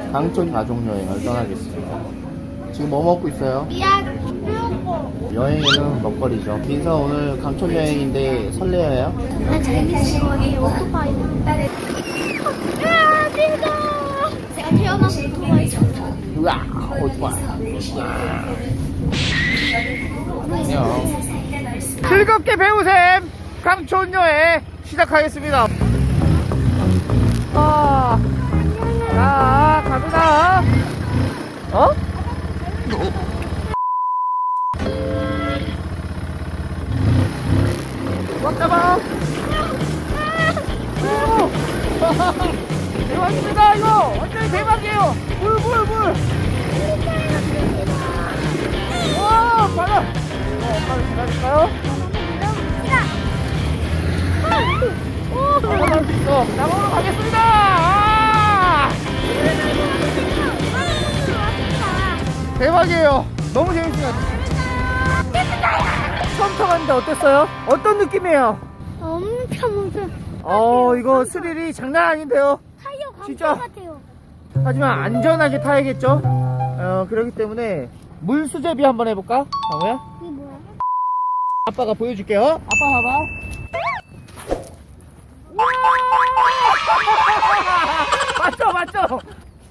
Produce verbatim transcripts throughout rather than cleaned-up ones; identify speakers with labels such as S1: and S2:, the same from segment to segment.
S1: 강촌 가족여행을 떠나겠습니다. 지금 뭐 먹고 있어요? 여행에는 먹거리죠. 민서 오늘 강촌 여행인데 설레어요?
S2: 난 재밌어. 이 오토바이. 아, 민서! 제가 태어나서 오토바이 탔다.
S1: 우와, 오토바이. 안녕. 즐겁게 배우셈! 강촌 여행 시작하겠습니다. 아, 자, 갑니다. 어? 꽉 잡아. 대박입니다. 이거 완전히 대박이에요. 물, 물, 물. 와, 빨라. 엄마를 기다릴까요? 나가볼 수 있어. 나가보러 가겠습니다. 아! 대박이에요. 너무 재밌어요. 처음 타봤는데 어땠어요? 어떤 느낌이에요?
S2: 엄청 엄청.
S1: 어, 이거 스릴이 장난 아닌데요.
S2: 타이어 감정
S1: 진짜?
S2: 같아요.
S1: 하지만 안전하게 타야겠죠? 어, 그렇기 때문에 물수제비 한번 해볼까? 강호야?
S2: 이게 뭐야?
S1: 아빠가 보여줄게요. 아빠 봐봐. 맞죠, 맞죠?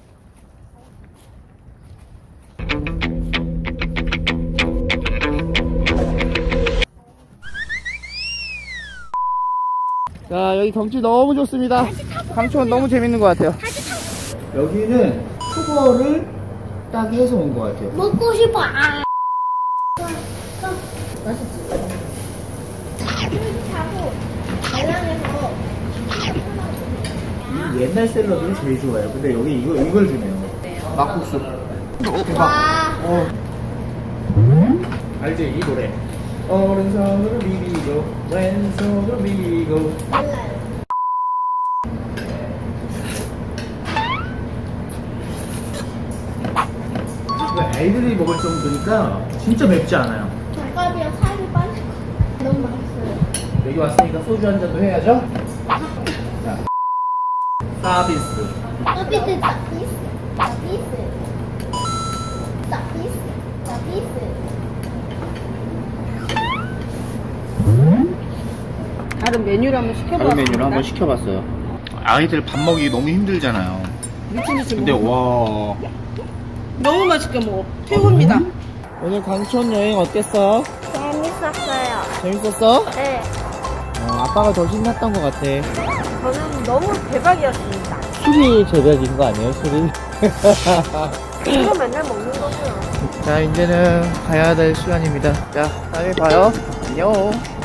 S1: 자, 여기 경치 너무 좋습니다. 강촌 너무 재밌는 것 같아요. 여기는 수거를 딱 해서 온 것 같아요.
S2: 먹고 싶어. 아. 맛있지? 자고 달랑해서
S1: 이 옛날 샐러드를 제일 좋아해요. 근데 여기 이거, 이걸 주네요. 막국수. 대박.
S2: 와.
S1: 어. 알지? 이 노래. 오른손으로 비비고, 왼손으로 비비고.
S2: 달라요.
S1: 아이들이 먹을 정도니까 진짜 맵지 않아요.
S2: 젓갈이랑 살이 빠질 거. 너무 맛있어요.
S1: 여기 왔으니까 소주 한 잔도 해야죠? 자. 서비스.
S2: 서비스 서비스 서비스 서비스 서비스.
S3: 다른 메뉴를 한번 시켜봤습니다.
S1: 다른 메뉴를 한번 시켜봤어요. 아이들 밥 먹이기 너무 힘들잖아요.
S3: 미친 듯이
S1: 근데
S3: 먹어.
S1: 와.
S3: 너무 맛있게 먹어. 최고입니다.
S1: 오늘 강촌 여행 어땠어?
S2: 재밌었어요.
S1: 재밌었어?
S2: 네.
S1: 어, 아빠가 더 신났던 것 같아.
S3: 저는 너무 대박이었습니다.
S1: 술이 제격인 거 아니에요, 술이?
S3: 이거 맨날 먹는 거고요.
S1: 자, 이제는 가야 될 시간입니다. 자, 다음에 봐요. 안녕.